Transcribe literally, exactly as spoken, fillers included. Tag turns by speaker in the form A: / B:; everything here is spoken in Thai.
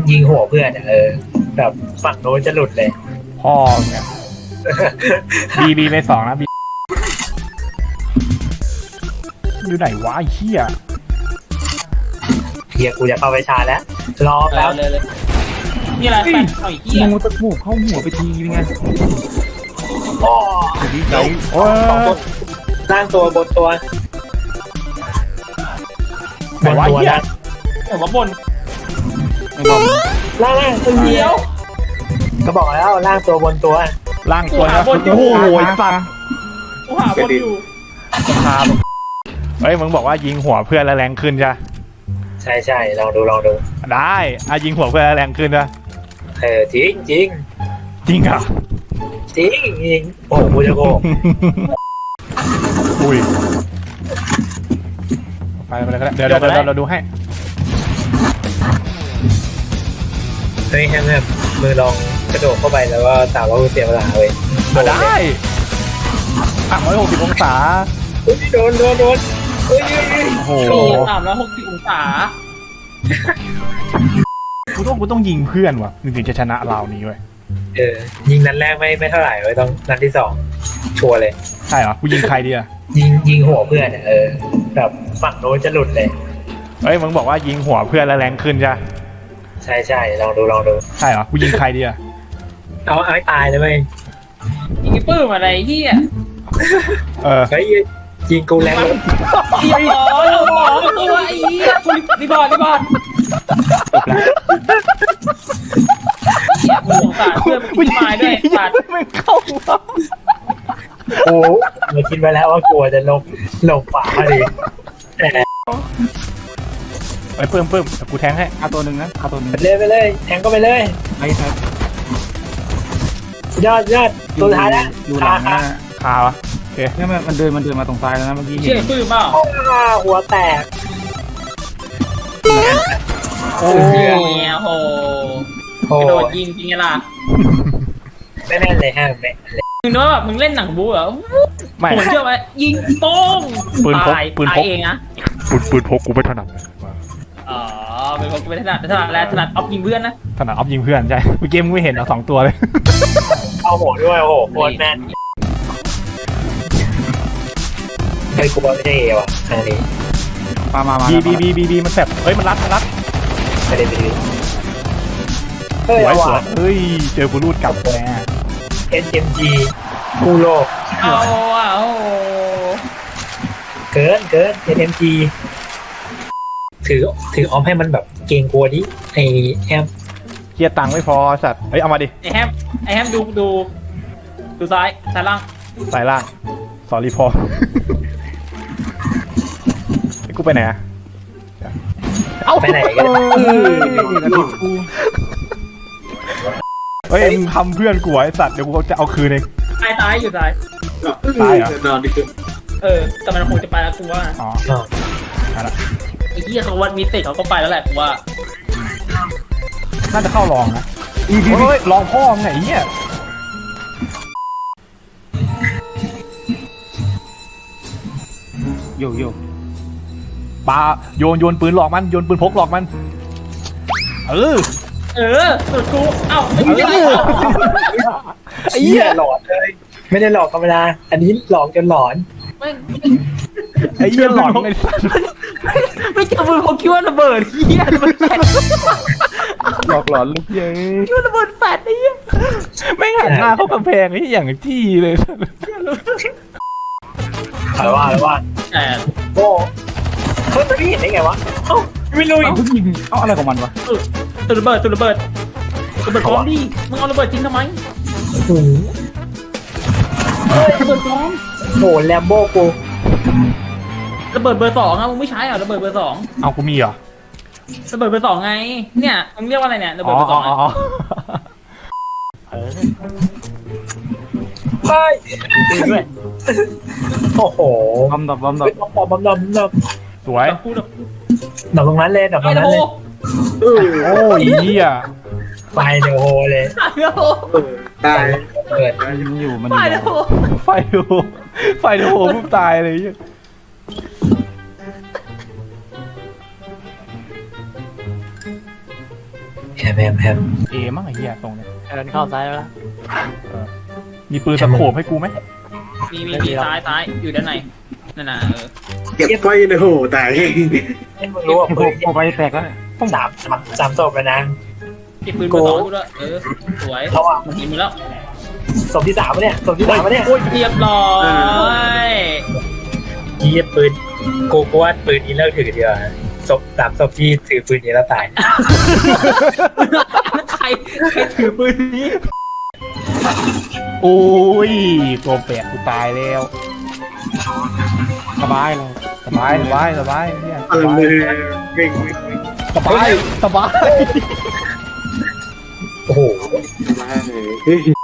A: ยิงหัวเพื่อนเออแบบฝั่งโน้นจะหลุดเลย
B: พ่อเนี่ยบีบีไปสองนะบีอยู่ไหนวะไอ้เหี้ย
A: เฮียกูจะเข้าไปชาร์จแล้วรอแล้ว
C: เลยเลยนี่อะไรแฟนเอาอีกเหี้ย
B: งูตะหมูเข้าหัวไปทีเป็นไง
A: โอ้
B: ดีใจโอ้
A: ล่างตัวบนตัว
B: ไหนวะเหี้ย
C: แต่ว่าบน
A: ล่างล่างตัวเดียวก็บอกแล้วล่างตัวบนตัว
B: ล่างตัวนะโอ้โหสัตว์
C: กูหาบนอยู่
B: คาเฮ้ยมึงบอกว่ายิงหัวเพื่อนแล้วแรงขึ้นใช่
A: ใช่ใช่ลองดูลองดู
B: ได้อ่ะยิงหัวเพื่อนแล้วแรงขึ้นนะ
A: เออจริงจริง
B: จริงอ่ะ
A: จริงจริงโอ้กูจะโก
B: อุ้ยไปไปเลยก็ได้เดี๋ยวเดี๋ยวเราดูให้
A: เฮ้ยแฮมแฮมมือลองกระโดดเข้าไปแล้วก็ตามว่าเสียเวลาเว้ย
B: ได้อ่ะร้อยหกสิบองศา
A: โดนโดนโดนโอ้ย
B: โอ้โห
C: สามร้อยหกสิบองศา
B: กูต้องกูต้องยิงเพื่อนว่ะถึงจะชนะเรานี้เว้ย
A: เออยิงนัดแรกไม่ไม่เท่าไหร่เว้ยต้องนัดที่สองชัวร์เลย
B: ใช่เหรอกูยิงใครดีอะ
A: ยิงยิงหัวเพื่อนเออแบบฝั่งโน้นจะหลุดเลย
B: เฮ้ยมึงบอกว่ายิงหัวเพื่อนแล้วแรงขึ้นใช่
A: ใช่ใช่ลองดูลองดู
B: ใช่เหรอกูยิงใครดีอะ
A: เอาเอาให้ตายเลยเว้ย
C: ยิงปื้มอะไรที่อ่ะ
B: เออ
A: เฮ้ยยิงกูแรงเลย
C: ยิงหมอหมอตัวไอ้เหี้ยรีบอร์ดรีบอร์ดเหี้ยกูสงสารเพื่อนมึงตายด้วยตัด
B: ไม่เข้า
A: โอ้เราคิดไว้แล้วว่ากลัวจะลงลงป่าพอดี
B: ไปเพิ่มเพิ่มกูแทงให้เอาตัวหนึ่งนะเอาตัวหนึ่ง
A: ไปเลยไปเลยแทงก็ไปเลย
B: ไปครับ
A: ยอดยอดตัวท้ายแล้ว
B: อยู่หลังนะขาวะโอเคเนี่ยมันเดินมันเดินมาตรงซ้ายแล้วนะเมื่อกี้
C: เชี่ยปื้มเปล่า
A: หัวแตก
C: โอ้โหโหกระโดดยิงจริงล่ะ
A: ไม่แม่นเลยฮะแม่
C: มึงนึกว่าแบบมึงเล่นหนังบู๊เหรอไม่ผมเชื่อว่ายิงโป้ง
B: ปืนพกปืนพก
C: เองนะ
B: ปืนปืนพกกูไม่ถนัด
C: อ๋อปืนพกกูไม่ถนัดถนัดแล้วถนัดออฟยิงเพื่อนนะ
B: ถนัดออฟยิงเพื่อนใช่เมื่อกี้มึงไม่เห็นเอาสองตัวเลย
A: เอาโหด้วยโอ้โหโคตรแม่นเฮ้ยกูบอลไม่ใช่เอว่ะทางนี้
B: มามามาบีบีบีบีบีมันแสบเฮ้ยมันรัดมันรัด
A: ไม่ได้บี
B: สวยสวยเฮ้ยเจอกูรูดกลับแน่
A: เอ็น เอ็ม จี กูโลก
C: เอาอ่ะโอ้
A: เกินเกิน เอ็น เอ็ม จี ถือถือออมให้มันแบบเก่งกลัวดิไอแฮม
B: เกียร์ตังไม่พอสัตว์เฮ้ยเอามาดิ
C: ไอแฮมไอแฮมดูดูดูซ้ายซ้ายล่าง
B: ซ้ายล่างสอรี่พอไอ้กูไปไหนอะ
A: เอาไปไหนกัน
B: เฮ้ยมึงทำเพื่อนกูไอ้สัตว์เดี๋ยวกูจะเอาคืนเอง
C: ตายตายอยู่ตาย
B: ตายเหรอน
A: อนดิคือ
C: เออแต่มันคงจะไปแล้วกูว่า
B: อ๋อ
C: ไอ้ที่เขาวัดมิติเขาก็ไปแล้วแหละกูว่า
B: น่าจะเข้ารองนะอีกทีรองพ่อไงเนี่ยโยโย่ปาโยนโยนปืนหลอกมันโยนปืนพกหลอกมันเออ
C: เออสุดกูเอ้าไอ้
A: เหี้ยไอ้เหี้ยหลอนเลยไม่ได้หลอกธรรมดาอันนี้หลอกจนหลอน
B: ไอ้เหี้ยหลอนไม่
C: ไม่เจอมือเขาคิดว่าระเบิดเหี้ยมันแฟด
B: หลอกหลอนลูกเย้
C: คิดว่าระเบิดแฟดไอ้เหี้ย
B: ไม่หันหน้าเข้ากำแพงไอ้อย่างจี้เลย
A: ถามว่าอะไรว่า
C: แต่
A: โอ้เฮ้ยพี่เห็นได้ไงวะเอ้าไม่รู้อีก
B: ยิงเอ้าอะไรของมันวะ
C: ตัวระเบิดตัวระเบิดระเบิดพร้อมดิมึงเอาระเบิดจริงทำไม
A: โอ้โห
C: ระเบิดพร้อม
A: โอ้แลมโบ้กู
C: ระเบิดเบอร์สองอะมึงไม่ใช้อ่ะระเบิดเบอร์สอง
B: เอากูมีเหรอ
C: ระเบิดเบอร์สองไงเนี่ยมึงเรียกว่าอะไรเนี่ยระเบิดเบอร์สอง
A: อ๋อเฮ้ยด้วยโอ้โห
B: บอมดับบอมดับบ
A: อมบอมดับดับ
B: สวย
A: ดับตรงนั้นเลยดับตรงนั้นเลย
B: โอ้ยเหี้ย
A: ไฟเดี๋ยวโหเลยตายเกิด
B: มันอยู่มันอยู่ไฟโหไฟโหปุ๊บตายเลย
A: แฮมแฮมแฮม
B: เอมั้งไอ้เหี้ยตรงเนี้ย
D: เดินเข้าซ้ายแล้ว
B: มีปืนตะโขบให้กูไหม
C: มีมีมีซ้ายซ้ายอยู่ด้านในนั่นน่ะเออ
E: เก็บไว้ในโหตาย
A: ให้มึงรู้ว่า
D: โผ
A: ปื
D: ล่
A: น
D: โผล่ไปแตกแล้ว
A: สามสามสามศพแล้วนะ
C: เก็บปืนมาสองกูด้วยเออสวย
A: เขาอ่ะ
C: มันยิงมือแล้ว
A: ศพที่สามเนี่ยศพที่สามเนี่ย
C: โอ้ยเรียบร้อย
A: ยี่ปืนโกโก้ปืนนี้เลิกถือเดียวศพสามศพที่ถือปืนนี้แล้วตาย
C: ใครใครถือปืนนี้
B: โอ้ยตัวแปดกูตายแล้ว
D: สบายเลย
B: สบายสบายสบายเนี่ย
E: เอ
B: ส
E: อบ
B: าย
E: เลยเก่ง
B: สบายสบาย
A: โอ้โห
E: ได้เลย